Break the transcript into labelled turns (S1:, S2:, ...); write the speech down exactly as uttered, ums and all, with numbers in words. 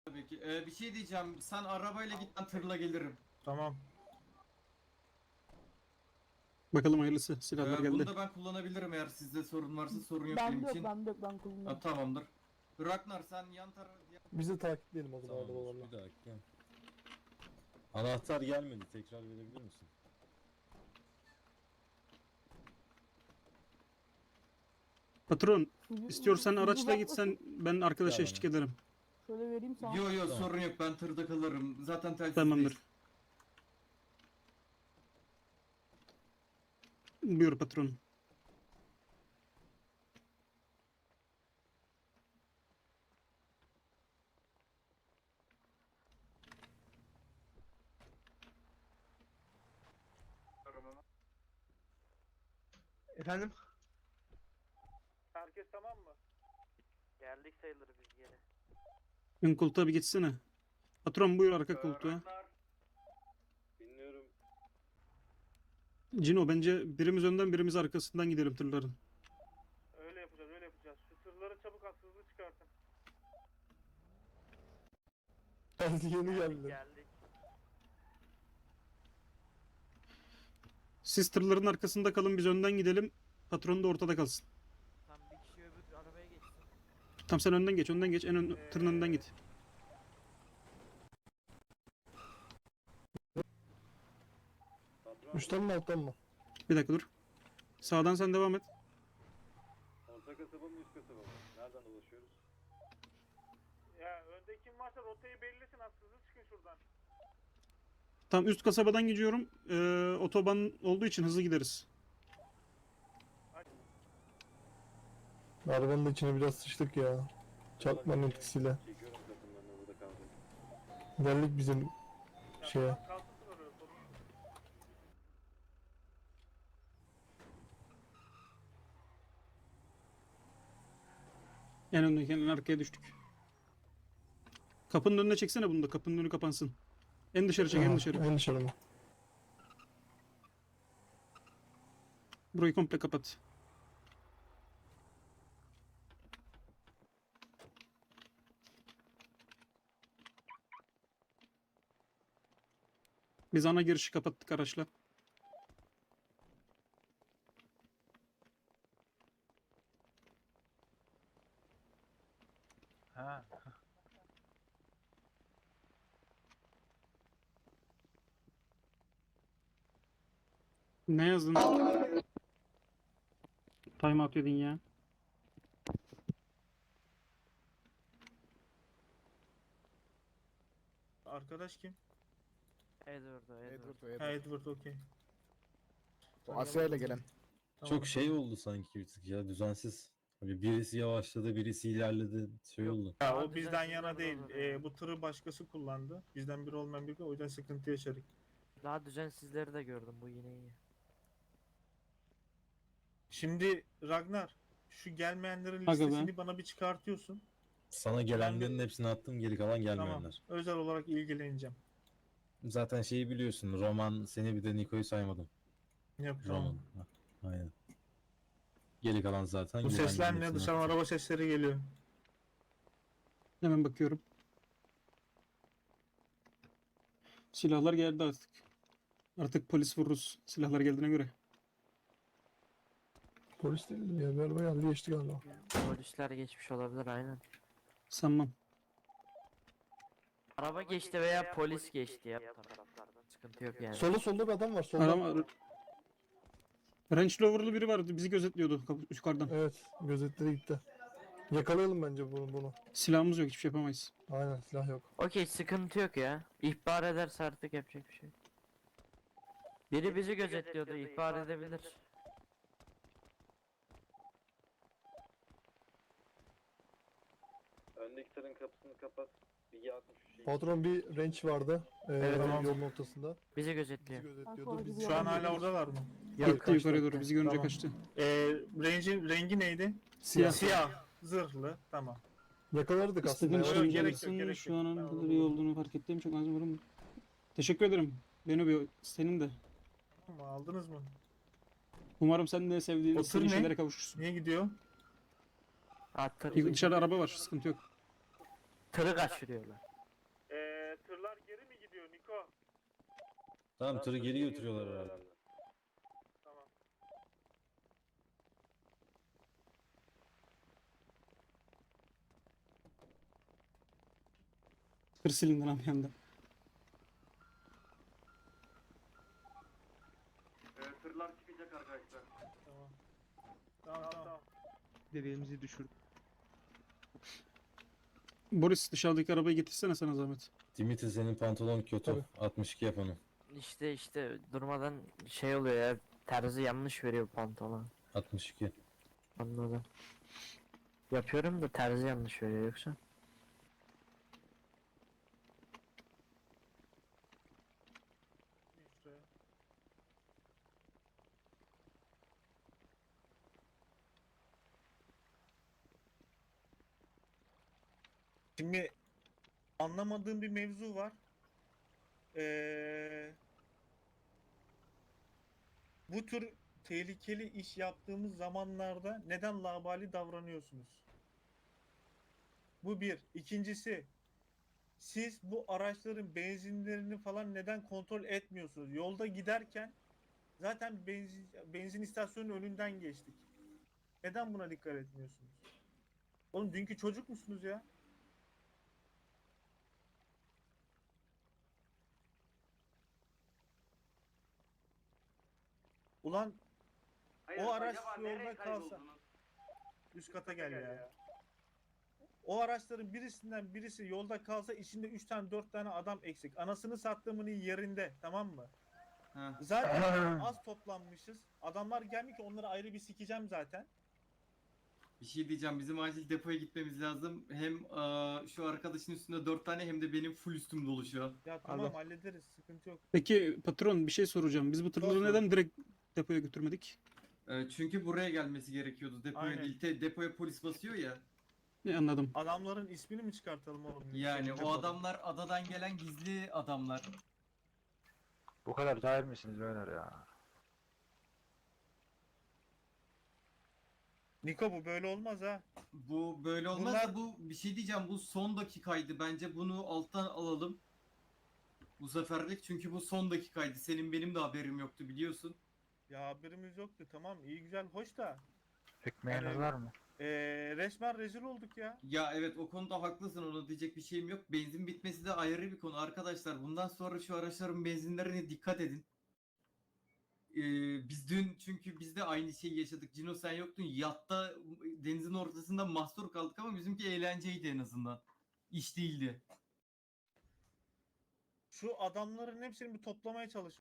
S1: Tabii ki. Ee, bir şey diyeceğim. Sen arabayla git, ben tırla gelirim.
S2: Tamam.
S3: Bakalım hayırlısı. Silahlar
S1: Ee,
S3: geldi.
S1: bunu da ben kullanabilirim eğer sizde sorun varsa, sorun yok
S4: Ben
S1: benim
S4: de yok,
S1: için.
S4: ben de yok, ben
S1: Ha,
S4: kullanıyorum.
S1: tamamdır. Ragnar sen yan tarafı...
S5: Biz de takipleyelim o zaman
S6: Tamamdır.
S5: arabalarla.
S6: Bir dakika. Anahtar gelmedi. Tekrar verebilir misin?
S3: Patron,
S4: Suyu-
S3: istiyorsan
S4: suyu
S3: araçla
S4: uzatmasın.
S3: gitsen ben arkadaşa
S6: Tamam.
S3: eşlik ederim.
S4: Şöyle vereyim sana.
S1: Yo yo
S6: Tamam.
S1: sorun yok, ben tırda kalırım. Zaten telsizdeyiz.
S3: Tamamdır. Buyur patron.
S7: Efendim?
S2: Herkes tamam mı?
S7: Geldik sayılır biz geri.
S3: Ön koltuğa bir geçsene. Patron buyur arka koltuğa.
S6: Dinliyorum.
S3: Cino bence birimiz önden birimiz arkasından gidelim tırların.
S2: Öyle yapacağız, öyle yapacağız. Şu tırları çabuk at, hızlı çıkartın.
S5: Geldi yeni geldi.
S7: Geldik.
S3: Siz tırların arkasında kalın, biz önden gidelim. Patron da ortada kalsın.
S7: Tam bir kişi öbür arabaya geçsin.
S3: Tam sen önden geç, önden geç. En ön, tırın önünden git.
S6: Patron,
S5: Üstten mi alttan mı?
S3: Bir dakika dur. Sağdan sen devam et.
S6: orta kasaba mı üst kasaba mı? Nereden ulaşıyoruz?
S2: Ya önde kim varsa rotayı belirlesin, az hızlı çıkın şuradan.
S3: Tam üst kasabadan gidiyorum. Ee, otoban olduğu için hızlı gideriz.
S5: Arabanın da içine biraz sıçtık ya. Çarpmanın etkisiyle.
S6: Çekiyorum takımlarını, burada kaldım.
S5: Geldik bizim
S2: Ya
S5: şeye.
S2: tamam, kalsın oraya, sorun yok.
S3: En öndeyken en arkaya düştük. Kapının önüne çeksene bunu da. Kapının önü kapansın. En dışarı çek, en
S5: Aha,
S3: dışarı.
S5: En dışarı mı?
S3: Burayı komple kapat. Biz ana girişi kapattık araçla.
S2: Ha.
S3: Ne yazdın? Time out dedin ya.
S2: Arkadaş kim?
S7: Edward o, Edward.
S2: Ha, Edward, okey.
S8: Asya ile gelen.
S2: Tamam.
S6: Çok şey oldu sanki bir tık ya, düzensiz. Hani birisi yavaşladı, birisi ilerledi. Şey
S2: Yok.
S6: oldu.
S2: Ya o
S7: Daha
S2: bizden
S7: düzensiz
S2: yana
S7: araba
S2: değil.
S7: var
S2: Ee,
S7: yani.
S2: bu tırı başkası kullandı. Bizden biri olmayan biri, o yüzden sıkıntı yaşadık.
S7: Daha düzensizleri de gördüm, bu yine iyi.
S2: Şimdi Ragnar, şu gelmeyenlerin
S3: Aga be.
S2: listesini bana bir çıkartıyorsun.
S6: Sana gelenlerin hepsini attım, geri kalan
S2: Tamam.
S6: gelmeyenler.
S2: Özel olarak ilgileneceğim.
S6: Zaten şeyi biliyorsun, Roman seni, bir de Niko'yu saymadım.
S2: Yok
S6: Roman.
S2: tamam.
S6: Ha, aynen. Geri kalan zaten.
S2: Bu
S6: gelenlerin
S2: sesler ne?
S6: hepsini
S2: Dışarıdan
S6: attım.
S2: araba sesleri geliyor.
S3: Hemen bakıyorum. Silahlar geldi artık. Artık polis vururuz. Silahlar geldiğine göre.
S5: Polis değildi ya. Bir araba geldi geçti galiba.
S7: Polisler geçmiş olabilir, aynen.
S3: Sanmam.
S7: Araba geçti veya polis geçti ya bu taraflardan. Sıkıntı yok yani.
S5: Solda solda bir adam var. Solda.
S3: Arama... Range Rover'lı biri vardı. Bizi gözetliyordu kapı- yukarıdan.
S5: Evet. Gözetleri gitti. Yakalayalım bence bunu bunu.
S3: Silahımız yok. Hiçbir şey yapamayız.
S5: Aynen silah yok.
S7: Okey, sıkıntı yok ya. İhbar ederse artık yapacak bir şey yok. Biri bizi gözetliyordu, ihbar edebilir.
S6: Öndeki tırın kapısını kapat. Bir altmış şey.
S5: Patron bir range vardı. Ee,
S7: Evet,
S5: yolun
S2: tamam.
S5: ortasında.
S7: Bizi
S5: Bizi
S7: gözetliyor.
S5: gözetliyordu. Biz
S2: Şu an hala oradalar mı?
S5: Yok,
S3: Gitti
S5: kaçtı.
S3: yukarıya doğru. Bizi görünce
S2: Tamam.
S3: kaçtı.
S2: Ee, rengi, rengi neydi?
S3: Siyah.
S2: Siyah. Zırhlı. Tamam.
S5: Yakalardık aslında.
S3: İstediğin
S5: ya.
S2: Yok,
S3: işlemi
S2: gerek yok,
S3: yapabilirsin.
S2: gerek
S3: Şu
S2: yok.
S3: an
S2: Ben
S3: onun
S2: onu
S3: kadar iyi
S2: buldum.
S3: olduğunu fark ettiğim çok az varım. Teşekkür ederim. Beni bir senin de.
S2: Tamam, aldınız mı?
S3: Umarım sen de sevdiğin
S2: O
S3: istediğin
S2: tır ne?
S3: şeylere kavuşursun.
S2: Niye gidiyor?
S7: Ha, tır,
S3: Dışarıda araba var. Sıkıntı yok.
S7: tırı kaçırıyorlar.
S6: Tamam tırı geri götürüyorlar herhalde.
S2: Tamam.
S3: Tır silindi lan bir anda.
S1: Ee, tırlar çıkacak arkadaşlar.
S2: Tamam. Tamam tamam.
S4: Dediğimizi düşürdük.
S3: Boris dışarıdaki arabayı getirsene sana zahmet.
S6: Dimitri senin pantolon kötü.
S5: Tabii.
S6: altmış iki yap onu.
S7: İşte işte durmadan şey oluyor ya. Terzi yanlış veriyor pantolon.
S6: altmış iki.
S7: Anladım. Yapıyorum da terzi yanlış veriyor yoksa.
S2: İşte.
S9: Şimdi anlamadığım bir mevzu var. Ee, bu tür tehlikeli iş yaptığımız zamanlarda neden laubali davranıyorsunuz? Bu bir. İkincisi, siz bu araçların benzinlerini falan neden kontrol etmiyorsunuz? Yolda giderken zaten benzin, benzin istasyonunun önünden geçtik. Neden buna dikkat etmiyorsunuz? Oğlum dünkü çocuk musunuz ya? Ulan o araç yolda kalsa üst kata gel ya. O araçların birisinden birisi yolda kalsa içinde üç tane dört tane adam eksik. Anasını sattığımın yerinde, tamam mı?
S1: Ha.
S9: Zaten az toplanmışız. Adamlar gelmiyor ki, onları ayrı bir sikeceğim zaten.
S1: Bir şey diyeceğim, bizim acil depoya gitmemiz lazım. Hem eee, şu arkadaşın üstünde dört tane hem de benim full üstüm dolu şu an.
S9: Ya tamam
S5: Alo.
S9: hallederiz, sıkıntı yok.
S3: Peki patron bir şey soracağım. Biz bu tırları
S9: Sor, sor.
S3: neden direkt depoya götürmedik?
S1: Eee, çünkü buraya gelmesi gerekiyordu. Depoya
S9: Aynen.
S1: değil, te- depoya polis basıyor ya.
S3: Ne anladım.
S9: Adamların ismini mi çıkartalım oğlum?
S1: Yani
S9: Seçecek
S1: o
S9: oğlum.
S1: adamlar adadan gelen gizli adamlar.
S8: Bu kadar cahil misiniz beyler ya?
S9: Niko bu böyle olmaz ha.
S1: Bu böyle olmaz
S9: Bunlar-
S1: da bu bir şey diyeceğim, bu son dakikaydı. Bence bunu alttan alalım. Bu seferlik, çünkü bu son dakikaydı. Senin benim de haberim yoktu biliyorsun.
S9: Ya haberimiz yoktu, tamam iyi güzel hoş da.
S8: Ekmeğiniz
S9: Yani-
S8: var mı?
S9: Ee, resmen rezil olduk ya.
S1: Ya evet, o konuda haklısın, ona diyecek bir şeyim yok. Benzin bitmesi de ayrı bir konu arkadaşlar. Bundan sonra şu araçların benzinlerine dikkat edin. Ee, biz dün, çünkü biz de aynı şeyi yaşadık. Cino sen yoktun. Yatta denizin ortasında mahsur kaldık ama bizimki eğlenceydi en azından. İş değildi.
S9: Şu adamların hepsini bir toplamaya çalış.